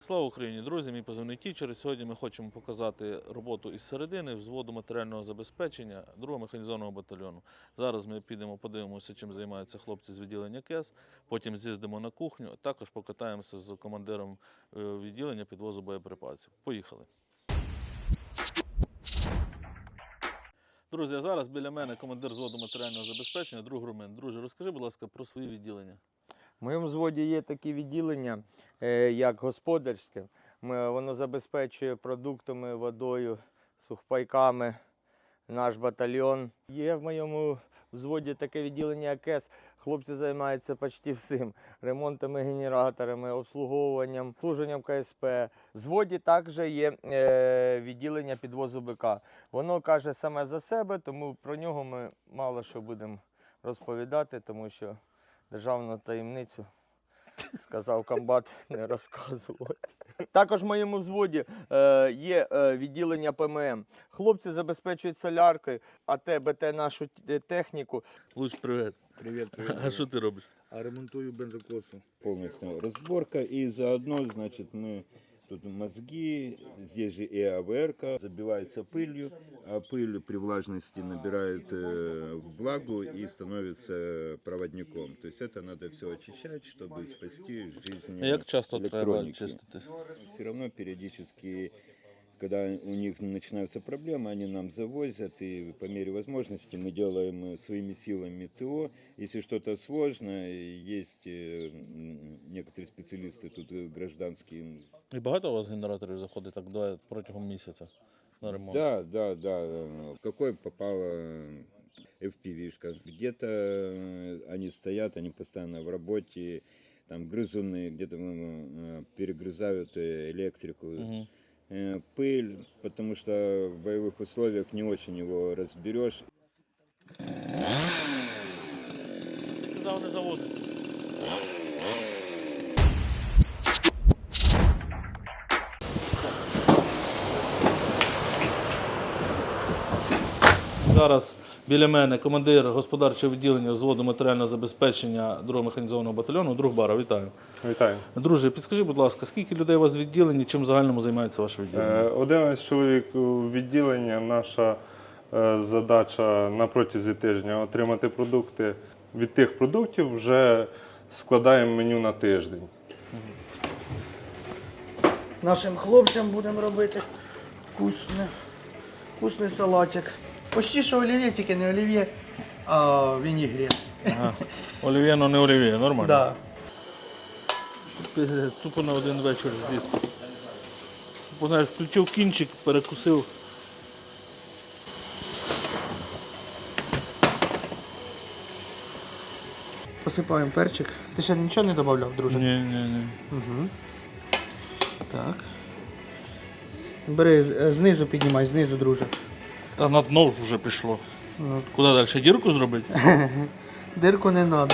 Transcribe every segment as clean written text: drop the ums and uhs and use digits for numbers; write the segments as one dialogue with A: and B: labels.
A: Слава Україні, друзі! Мій позивний Тічер. Сьогодні ми хочемо показати роботу із середини взводу матеріального забезпечення 2-го механізованого батальйону. Зараз ми підемо подивимося, чим займаються хлопці з відділення КЕС, потім з'їздимо на кухню, також покатаємося з командиром відділення підвозу боєприпасів. Поїхали! Друзі, а зараз біля мене командир взводу матеріального забезпечення, друг Румен. Друже, розкажи, будь ласка, про свої відділення.
B: В моєму взводі є такі відділення, як господарське. Воно забезпечує продуктами, водою, сухпайками наш батальйон. Є в моєму взводі таке відділення, як КЕС. Хлопці займаються почти всім. Ремонтами, генераторами, обслуговуванням, служенням КСП. В взводі також є відділення підвозу БК. Воно каже саме за себе, тому про нього ми мало що будемо розповідати, тому що державну таємницю, сказав комбат, не розказувати. Також в моєму взводі є відділення ПММ. Хлопці забезпечують соляркою, АТ, БТ нашу техніку.
A: Луч, привіт.
C: Привет.
A: А що ти робиш?
C: А ремонтую бензокосу.
D: Полностью разборка, и заодно, значит, мы тут мозги, здесь же и АВРка, забивается пылью, а пыль при влажности набирает влагу и становится проводником. То есть это надо все очищать, чтобы спасти жизнь
A: Як часто треба
D: электроники.
A: чистити?
D: Все равно периодически, когда у них начинаются проблемы, они нам завозят, и по мере возможности мы делаем своими силами ТО. Если что-то сложно, есть некоторые специалисты тут гражданские.
A: І багато у вас генераторів заходить так протягом місяця на ремонт?
D: Да. Какой попала FPV-шка. Где-то они стоят, они постоянно в работе, там грызуны, где-то перегрызают электрику.
A: Угу.
D: Пыль, потому что в боевых условиях не очень его разберешь.
A: Сказав, не заводиться. Зараз біля мене командир господарчого відділення взводу матеріального забезпечення 2-го механізованого батальйону, друг Бара. Вітаю.
E: Вітаю.
A: Друже, підскажи, будь ласка, скільки людей у вас в відділенні, чим в загальному займається ваше відділення?
E: 11 чоловік у відділенні. Наша задача на протязі тижня отримати продукти. Від тих продуктів вже складаємо меню на тиждень.
F: Нашим хлопцям будемо робити вкусний салатик. Почти що олів'є, тільки не олів'є, а вінігрет.
A: Ага. Олів'є, но не олів'є, нормально?
F: Да.
A: Тупо на один вечір з'їсти. Тупо, знаєш, включив кінчик, перекусив.
F: Посипаємо перчик. Ти ще нічого не додавав, друже?
A: Ні.
F: Угу. Так. Бери, знизу піднімай, знизу, друже.
A: Та на дно вже пішло.
F: Ну.
A: Куди далі? Дірку зробити?
F: Дирку не треба.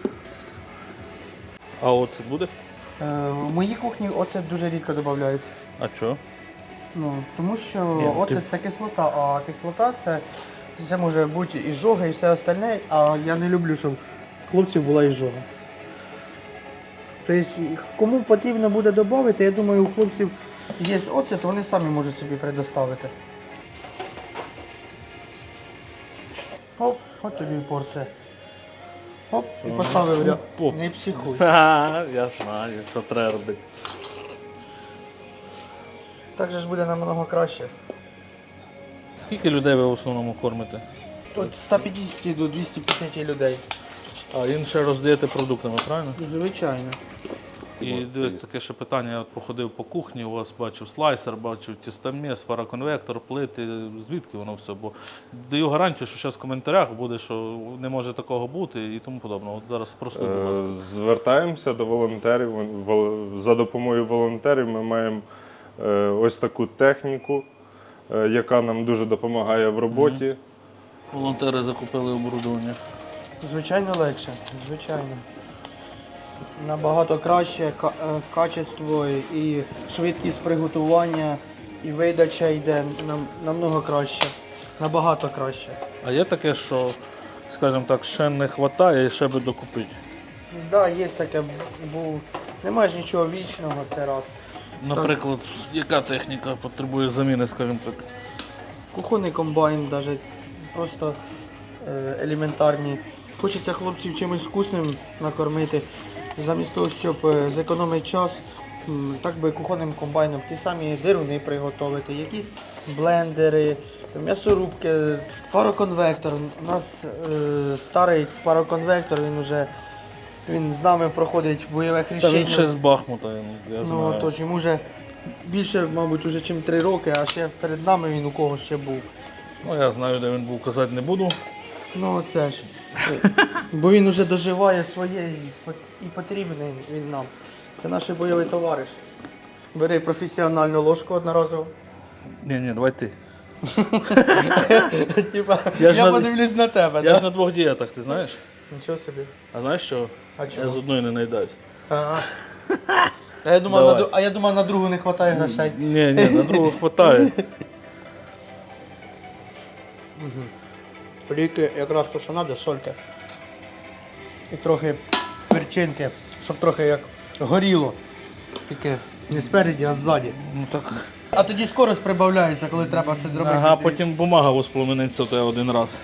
A: А оцет буде?
F: В моїй кухні оцет дуже рідко додається.
A: А що?
F: Ну, тому що оцет це кислота, а кислота це може бути і жога, і все остальне, а я не люблю, щоб хлопців була і жога. Тобто, кому потрібно буде додати, я думаю, у хлопців є оцет, вони самі можуть собі предоставити. Оп, от тобі порція. Оп, і поставив ряд.
A: Оп.
F: Не психуй.
A: Я знаю, що треба робити.
F: Так же ж буде намного краще.
A: Скільки людей ви в основному кормите?
F: Тут 150 до 250 людей.
A: А інше роздаєте продуктами, правильно?
F: Звичайно.
A: І дивись, таке ще питання, я от походив по кухні, у вас бачив слайсер, бачив тістоміс, параконвектор, плити, звідки воно все? Бо даю гарантію, що зараз в коментарях буде, що не може такого бути і тому подобне. От зараз спростуй, будь ласка.
E: Звертаємося до волонтерів. За допомогою волонтерів ми маємо ось таку техніку, яка нам дуже допомагає в роботі.
A: Волонтери закупили оборудовання.
F: Звичайно легше, звичайно. Набагато краще качество і швидкість приготування, і видача йде намного краще, набагато краще.
A: А є таке, що, скажімо так, ще не вистачає і ще би докупити?
F: Так, да, є таке, бо немає ж нічого вічного, це раз.
A: Наприклад, яка техніка потребує заміни, скажімо так?
F: Кухонний комбайн, навіть просто елементарні. Хочеться хлопців чимось вкусним накормити. Замість того, щоб зекономити час, так би кухонним комбайном ті самі дируни приготувати, якісь блендери, м'ясорубки, пароконвектор. У нас старий пароконвектор, він з нами проходить бойове
A: Та
F: хрещення.
A: він ще з Бахмута, я
F: Ну,
A: знаю.
F: тож йому вже більше, мабуть, уже ніж 3 роки, а ще перед нами він у кого ще був.
A: Ну, я знаю, де він був, казати не буду.
F: Ну це ж. Бо він уже доживає своє і потрібний він нам. Це наш бойовий товариш. Бери професіональну ложку одноразову.
A: Ні, давай ти.
F: Типа,
A: Я ж
F: я
A: на-
F: подивлюсь на тебе,
A: Я ж
F: так?
A: на 2 дієтах, ти знаєш?
F: Нічого собі.
A: А знаєш що?
F: А
A: Я
F: чого?
A: з одної не наїдаюсь.
F: Ага. А я думав,
A: Давай.
F: на другу не вистачає грошей.
A: Ні, на другу хватає.
F: Ліки якраз то, що треба, сольки. І трохи перчинки, щоб трохи як горіло. Тільки не спереді, а ззаді.
A: Ну так.
F: А тоді скорость прибавляється, коли треба щось зробити.
A: Ага, потім бумага воспламениться у тебе один раз.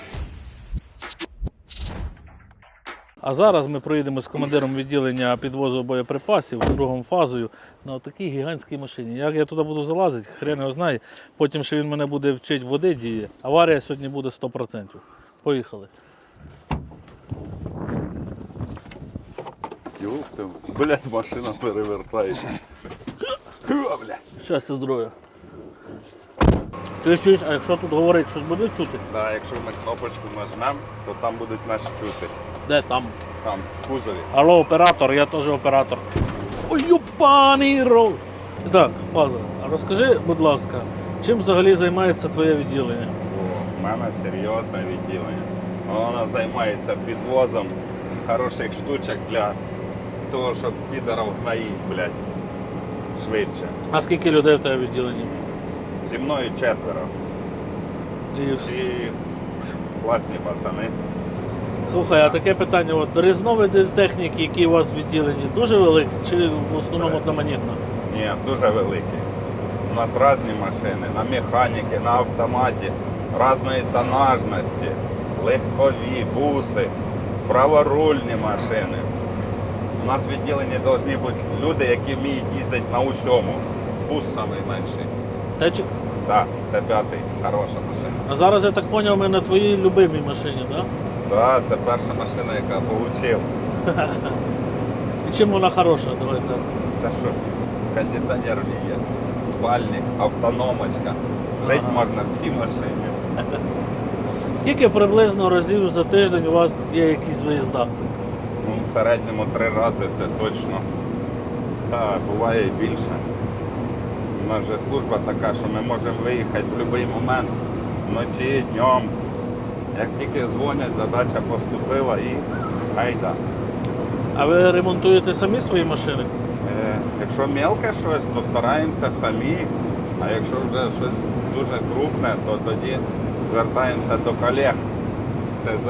A: А зараз ми проїдемо з командиром відділення підвозу боєприпасів другою фазою на такій гігантській машині. Як я туди буду залазити, хрен його знає. Потім ще він мене буде вчити води діє. Аварія сьогодні буде 100%. Поїхали.
G: Юх ти, блядь, машина перевертається.
A: Щастя, здоров'я. Чуєш, а якщо тут говорить, щось буде чути?
G: Да, якщо ми кнопочку нажмемо, то там будуть нас чути.
A: Де там?
G: Там, в кузові.
A: Алло, оператор, я теж оператор. Ой, юпаний рол. І так, фаза. А розкажи, будь ласка, чим взагалі займається твоє відділення?
G: О, в мене серйозне відділення. Воно займається підвозом хороших штучок для того, щоб підарів гнаїть, блядь, швидше.
A: А скільки людей в тебе в відділенні?
G: Зі мною 4.
A: І...
G: Всі класні пацани.
A: Слухай, а таке питання, от різновиди техніки, які у вас в відділенні, дуже великі чи в основному одноманітно?
G: Ні, дуже великі. У нас різні машини, на механіки, на автоматі, різної тонажності, легкові, буси, праворульні машини. У нас в відділенні повинні бути люди, які вміють їздити на усьому. Бус найменший.
A: Течик?
G: Так, Т5, хороша машина.
A: А зараз, я так зрозумів, ми на твоїй любимій машині, так?
G: Так, це перша машина, яка отримав.
A: І чим вона хороша? Давай так.
G: Та що, кондиціонер в ній є, спальник, автономочка. Жити
A: Ага.
G: можна в цій машині.
A: Скільки приблизно разів за тиждень у вас є якісь виїзда?
G: Ну, в середньому 3 рази це точно. Та, буває і більше. У нас же служба така, що ми можемо виїхати в будь-який момент, вночі, днем. Як тільки дзвонять, задача поступила і гайда.
A: А ви ремонтуєте самі свої машини?
G: Якщо мелке щось, то стараємося самі, а якщо вже щось дуже крупне, то тоді звертаємося до колег в ТЗ.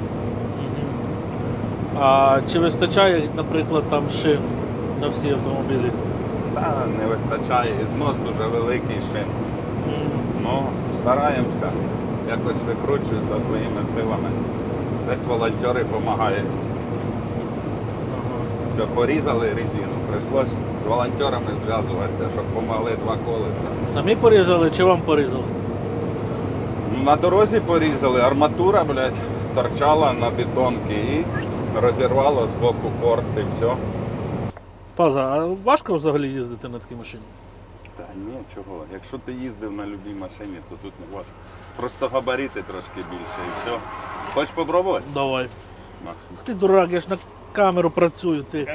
A: А чи вистачає, наприклад, там шин на всі автомобілі?
G: Та не вистачає, і знос дуже великий шин. Ну, стараємося, якось викручуються своїми силами. Десь волонтери допомагають. Все, порізали резину, прийшлось з волонтерами зв'язуватися, щоб допомогли 2 колеса.
A: Самі порізали чи вам порізали?
G: На дорозі порізали, арматура, блядь, торчала на бетонки і розірвало з боку корт і все.
A: Фаза, а важко взагалі їздити на такій машині?
G: Та ні, чого. Якщо ти їздив на будь-якій машині, то тут не важко. Просто габарити трошки більше і все. Хочеш попробувати?
A: Давай.
G: На.
A: Ах ти дурак, я ж на камеру працюю, ти.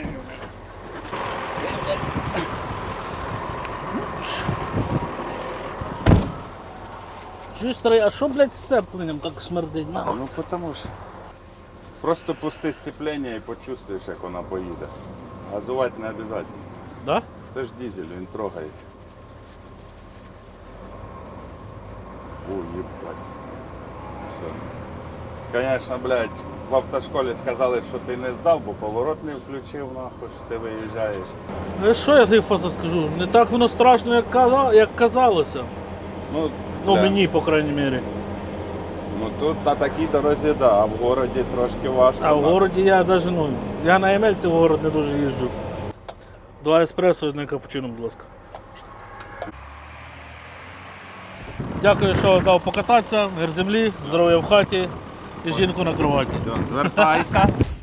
A: Чуєш, старий, а що, блядь, з цепленням так смердить? На.
G: Ну потому що. Просто пусти сцеплення і почувствуєш, як вона поїде. Газувати не обов'язково.
A: Да?
G: Це ж дизель, він трогається. Ой, їбать. Все. Звісно, блядь, в автошколі сказали, що ти не здав, бо поворот не включив, нахуй, що ти виїжджаєш.
A: Що я тобі Фаса скажу? Не так воно страшно, як казалося.
G: Ну,
A: Ну,
G: бля,
A: мені, по крайній мірі.
G: Ну тут на такій дорозі, да, а в городі трошки важко.
A: А в
G: нахуй.
A: городі я навіть, я на Емельці в город не дуже їжджу. 2 еспресо, 1 капучино, будь ласка. Дякую, що дав покататися, мир землі, здоров'я в хаті і жінку на кроваті.
G: Все, звертайся.